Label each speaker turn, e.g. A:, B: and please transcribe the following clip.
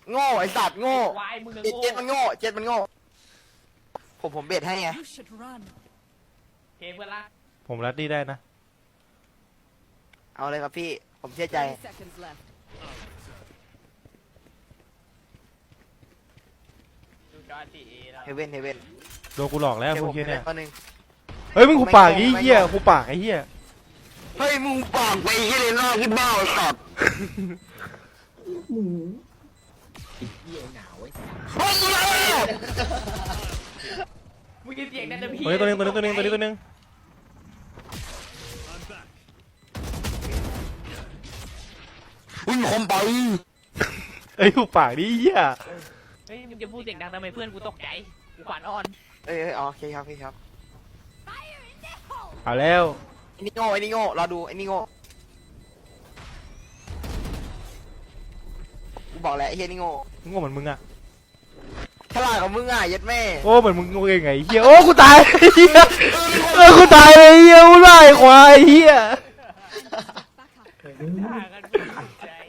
A: โง่ไอ้สัตว์โง่
B: วายมึง
A: เจ็ดมันโง่เจ็ดมันโง่ผมเบ็ดให้ไง
C: You should run.
B: เทเพื่อนละ
D: ผมรัดดี้ได้นะ
A: เอาเลยครับพี่ผมเชื่อใจ
C: 30 seconds left.
B: ดูจอทีเอแล้ว
A: เฮเว่นเฮเว่น
D: โดนกูหลอกแล้ว
A: เดี๋ยว
D: พ
A: ผ
D: วก
A: ม
D: เฮีย
A: เล่
D: เนี่ย
A: นตัวหนึ่ง
D: เฮ้ยมึงกูปากไอ้
A: ไม่
D: เหี้ย
A: ไม่
D: กูปากไอ้เหี้ย
A: เฮ้ยมึงปากไปยี่เลยล่าขึ้นบ้าไอ้สัตว์
E: เหี้ยหนาวไอ้สัส
A: เฮ้ยกูเลย
B: มึงกินเสียงนั่นนะพี่
D: ตัวนี้ตัวนึง
A: วิ่งคมไป
D: เอ้ยกูปากดิเหี้ย
B: เฮ้ยมึงจะพูดเสียงดังทำไมเพื่อนกูตกใจกูขวัญอ่อน
A: เอ้ยโอเคครับพี่ครับ
D: เอาแล้ว
A: ไอ้นี่โง่ไอ้นี่โง่รอดูไอ้นี่โง่กูบอกแล้วไอ้เฮียนี่โง่
D: โง่เหมือนมึงอะ
A: ฉลาดกว่ามึงอ่ะยัดแม่
D: โอ้เหมือนมึงโง่เองไงเหี้ยโอ้กูตายเหี้ยกูตายเลยเหี้ยกูไล่ควายเหี้ย
C: Back up.
B: ด่ากันไม่สนใจ